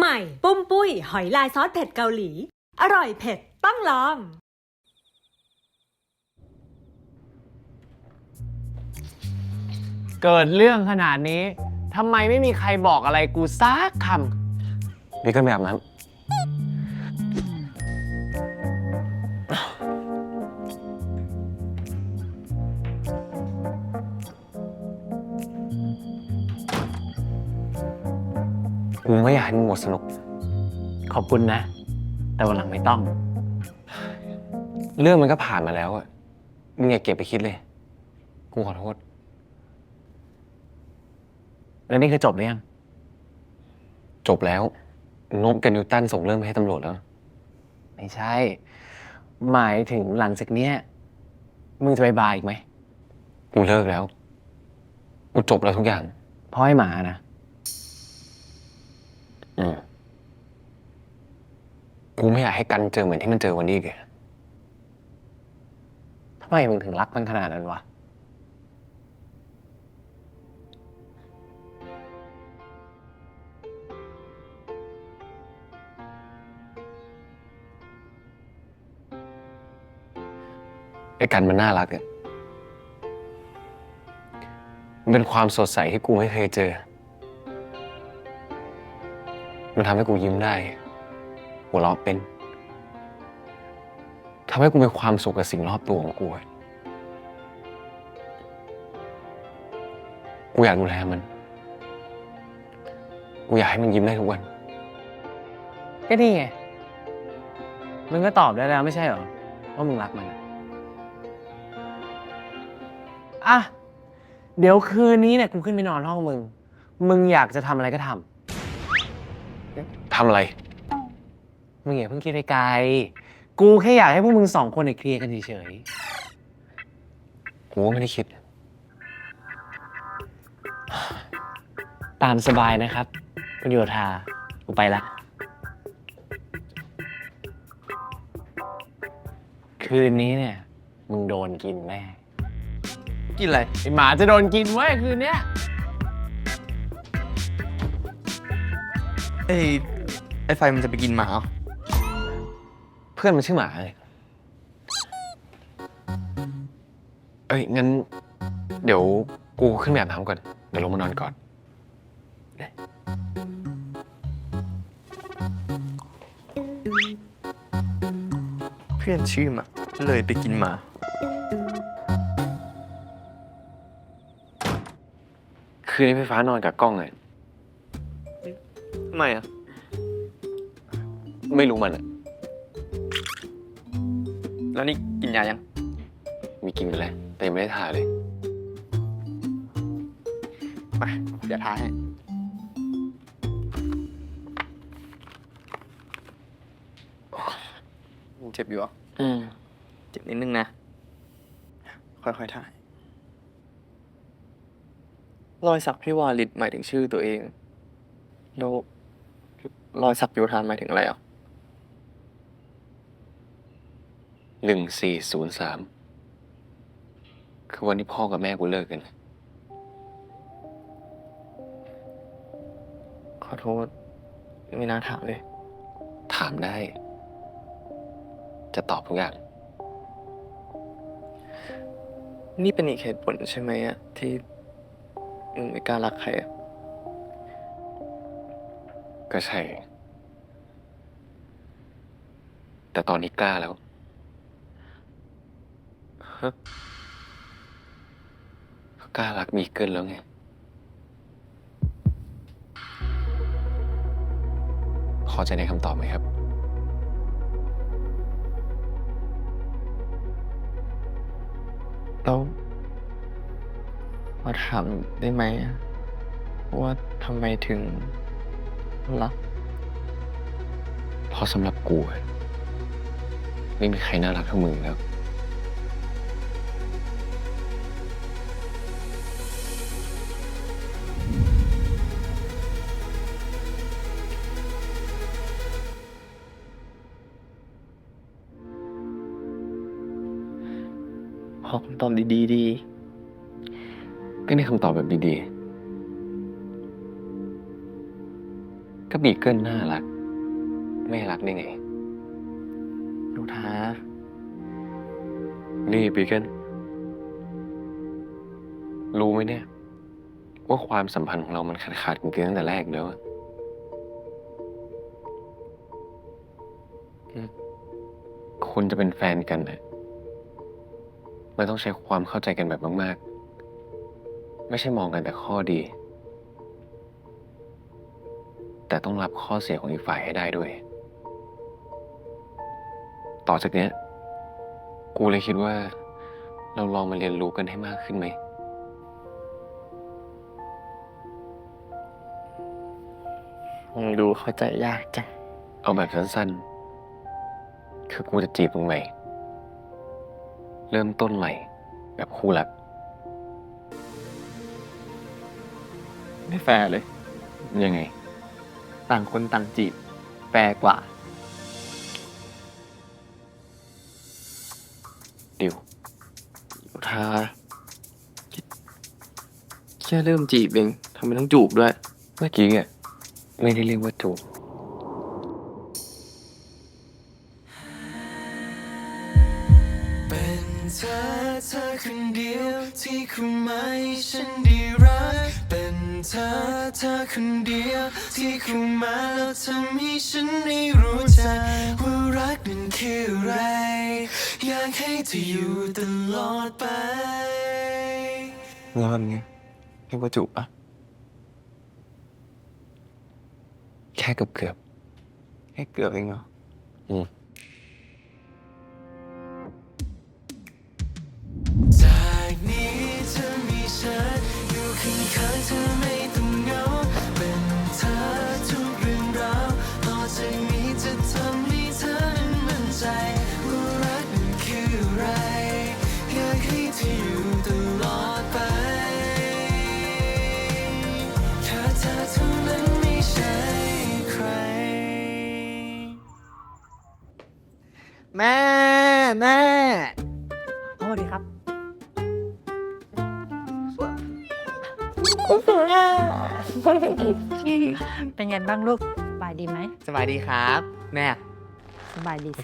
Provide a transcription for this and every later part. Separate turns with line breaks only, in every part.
หม่ปุ้มปุ้ยหอยลายซอสเผ็ดเกาหลีอร่อยเผ็ดต้องลอง
เกิดเรื่องขนาดนี้ทำไมไม่มีใครบอกอะไรกูซักคำ
นี่ก็แบบนั้นกูไม่อยากให้มึงหมดสนุก
ขอบคุณนะ แต่วันหลังไม่ต้อง
เรื่องมันก็ผ่านมาแล้วอะมึงอย่าเก็บไปคิดเลย กูขอโทษ
แล้วนี่คือจบหรือยัง
จบแล้วนบกับนิวตันส่งเรื่องไปให้ตำรวจแล้ว
ไม่ใช่ หมายถึงหลังจากเนี้ยมึงจะไปบาร์อีกไหม
กูเลิกแล้ว กูจบแล้วทุกอย่าง
เพราะให้หมานะ
กูไม่อยากให้กันเจอเหมือนที่มันเจอวันนี้เลย
ทำไมมึงถึงรักมันขนาดนั้นวะ
ไอ้กันมันน่ารักอะมันเป็นความสดใสที่กูไม่เคยเจอ มันทำให้กูยิ้มได้ หัวเราะเป็นทำให้กูมีความสุขกับสิ่งรอบตัวของกูอะกูอยากดูแลมัน กูอยากให้มันยิ้มได้ทุกวัน
ก็นี่ไง มึงก็ตอบได้แล้วไม่ใช่เหรอว่ามึงรักมันอ่ะ เดี๋ยวคืนนี้เนี่ยกูขึ้นไปนอนห้องมึง มึงอยากจะทำอะไรก็ทำ
ทำอะไร
มึงอย่าเพิ่งคิดไปไกล กูแค่อยากให้พวกมึงสองคนเนี่ยเคลียร์กันเฉย
กูก็ไม่ได้คิด
ๆ ตามสบายนะครับคุณโยธา กูไปละ คืนนี้เนี่ย มึงโดนกินแน่
กินอะไร
ไอหมาจะโดนกินเว้ยคืนเนี้ย
ไอ้ไฟมันจะไปกินหมาเหรอ
เพื่อนมันชื่อหมาเลยเอ้ย งั้น เดี๋ยวกูขึ้นไปอาบน้ำก่อน เดี๋ยวลงมานอนก่อน
เพื่อนชื่อหมาเลยไปกินหมา
คืนนี้ไฟฟ้านอนกับกล้องเลย
ทำไมอ่ะ
ไม่รู้มันอะ
แล้วนี่กินยายัง
มีกินไปแล้ว แต่ยังไม่ได้ทาเลย
มาเดี๋ยวทาให้ยังเจ็บอยู่เหรอ เจ็บนิดนึงนะ ค่อยๆถ่าย รอยสักพี่วาลิตหมายถึงชื่อตัวเอง แล้วรอยสักโยธานหมายถึงอะไรอ่ะ
1403 คือวันที่พ่อกับแม่กูเลิกกัน
ขอโทษ ไม่น่าถามเลย
ถามได้ จะตอบทุกอย่าง
นี่เป็นอีกเหตุผลใช่ไหมอะที่มึงไม่กล้ารักใครอะ
ก็ใช่ แต่ตอนนี้กล้าแล้ว กล้ารักมีเกินแล้วไง พอใจในคำตอบไหมครับ
แล้วขอถามได้ไหมอะว่าทำไมถึงรัก
เพราะสำหรับกูอะไม่มีใครน่ารักเท่ามึงแล้ว
ขอคำตอบดีๆดี
ก็ได้คำตอบแบบดีๆก็บีเกิลน่ารัก ไม่รักได้ไง
โยธา
นี่บีเกิลรู้ไหมเนี่ย ว่าความสัมพันธ์ของเรามันขาดกันตั้งแต่แรกแล้วอะคนจะเป็นแฟนกันนะมันต้องใช้ความเข้าใจกันแบบมากๆ ไม่ใช่มองกันแต่ข้อดี แต่ต้องรับข้อเสียของอีกฝ่ายให้ได้ด้วย ต่อจากเนี้ย กูเลยคิดว่าเราลองมาเรียนรู้กันให้มากขึ้นไหม
มึงดูเข้าใจยากจัง
เอาแบบสั้นๆ คือกูจะจีบมึงใหม่ เริ่มต้นใหม่ แบบคู่รัก
ไม่แฟร์เลย
ยังไง
ต่างคนต่างจีบ แฟร์กว่า
ดิว
โยธาแค่เริ่มจีบเองทำไมต้องจูบด้วย
เมื่อกี้อ่ะไม่ได้เรียกว่าจูบ
เป็นเธอคนเดียวที่คุณไม่ฉันได้รักเป็นเธอคนเดียวที่คุณมาแล้วทำให้ฉันได้รู้จักว่ารักนั้นคืออะไร อยากให้เธออยู่ตลอดไป
แล้วแบบนี้เรียกว่าจูบปะ
แค่เกือบ
แค่เกือบเองเหรอ
จากนี้เธอมีฉันอยู่ข้างๆเธอไม่ต้องเหงาเป็นเธอทุกเรื่องราวต่อจากนี้จะทำให้เธอนั้นมั่นใจว่ารักนั้นคืออะไรอยากให้เธออยู่ตลอดไปแค่เธอเท่านั้นไม่ใช่ใคร
แม่
สวัสดีครับ เป็นไงบ้างลูก สบายดีไหม
สบายดีครับ แม่
สบายดีสิ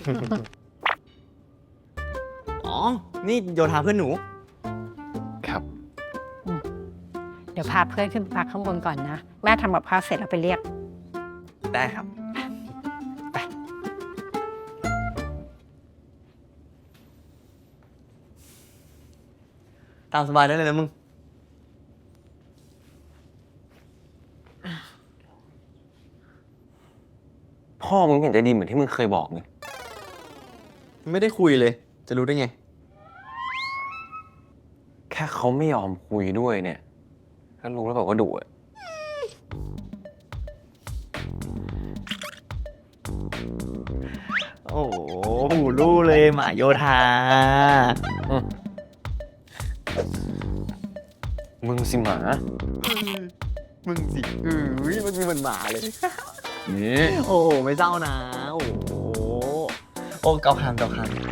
อ๋อ นี่โยธาเพื่อนหนู
ๆ ครับ
เดี๋ยวพาเพื่อนขึ้นไปพักข้างบนก่อนนะ แม่ทำกับข้าวเสร็จแล้วไปเรียก
ได้ครับ ตามสบายได้เลยนะมึง
พ่อมึงไม่เห็นจะดีเหมือนที่มึงเคยบอกเลย
ไม่ได้คุยเลย จะรู้ได้ไง
แค่เขาไม่ยอมคุยด้วยเนี่ยก็รู้แล้วแบบว่าดุอะ
โอ้โหหูรู้เลยหมาโยธา
มึงสิหมา
มึงสิมันมีเหมือนหมาเลย
นี่
โอ้โหไม่เศร้านะ โอ้โห โอ้เกาคาง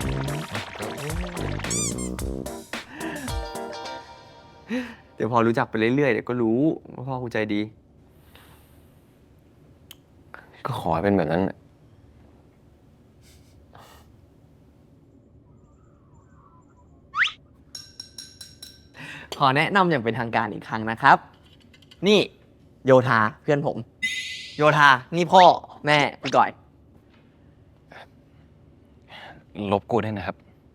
เดี๋ยวพอรู้จักไปเรื่อยๆ เดี๋ยวก็รู้ว่าพ่อกูใจดี
ก็ขอให้เป็นแบบนั้นน่ะ
ขอแนะนำอย่างเป็นทางการอีกครั้งนะครับ นี่โยธาเพื่อนผม โยธา นี่พ่อแม่พี่ก่อย
ลบกูได้วยนะครับ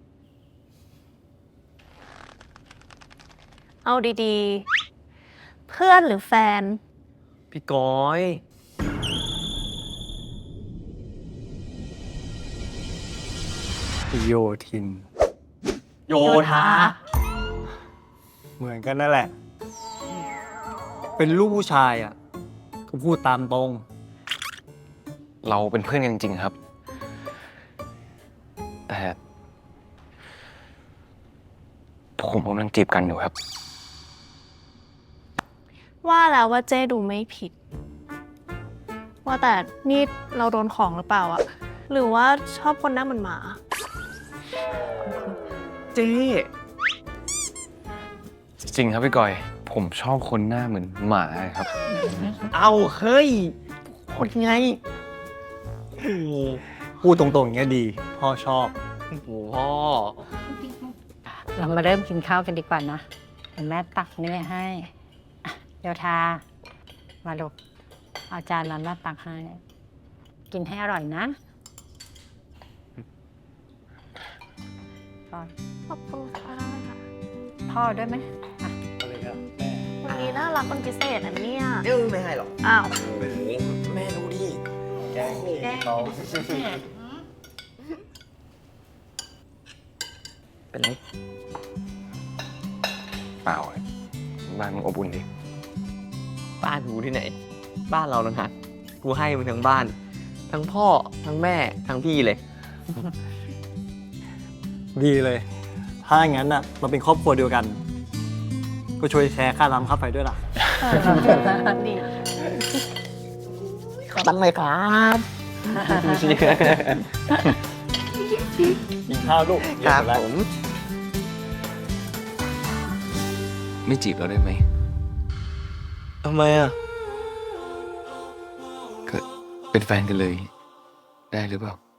เอาดีๆ เพื่อนหรือแฟน
พี่ก้อย
โยทิน
โยธา
เหมือนกันนั่นแหละ เป็นลูกผู้ชายอ่ะ ก็พูดตามตรง
เราเป็นเพื่อนกันจริงๆครับ แต่ผมกำลังจีบกันอยู่ครับ
ว่าแล้วว่าเจ้ดูไม่ผิด ว่าแต่นี่เราโดนของหรือเปล่าอะหรือว่าชอบคนหน้าเหมือนหมา
เจ๊
จริงครับพี่กอย ผมชอบคนหน้าเหมือนหมาครับ
เอาเฮ้ยคนไง
พูดตรงๆอย่างเงี้ยดี พ่อชอบ
โอ้โหพ่อ
เรามาเริ่มกินข้าวกันดีกว่านะเดี๋ยวแม่ตักนี่ให้อ่ะโยธา มาลูกเอาจานร้อนแม่ตักให้ กินให้อร่อยนะพ่อ
ขอบคุณค่ะ
พ่อด้วยไหมอ่ะ
วันนี้น่ารักเป็นพิเศษอันเนี่ย
เอ้ยไม่ให้หรอก
อ้าว
แม่ดูดิ
แกล้ง
เป็นไร
เปล่าอะบ้านมึงอบอุ่นดิ
บ้านกูที่ไหน บ้านเรานะฮะกูให้มึงทั้งบ้าน ทั้งพ่อ ทั้งแม่ ทั้งพี่เลย
ดีเลย ถ้าอย่างนั้นน่ะเราเป็นครอบครัวเดียวกัน ก็ช่วยแชร์ค่าน้ำค่าไฟด้วยล่ะ
ดี
ขอตั้งเลยครับ
กินข้าวลูก
ครับ
เดี๋ยว
ผม
ไม่จีบเราได้ไหม
ทำไมอ่ะ
ก็เป็นแฟนกันเลย ได้หรือเปล่า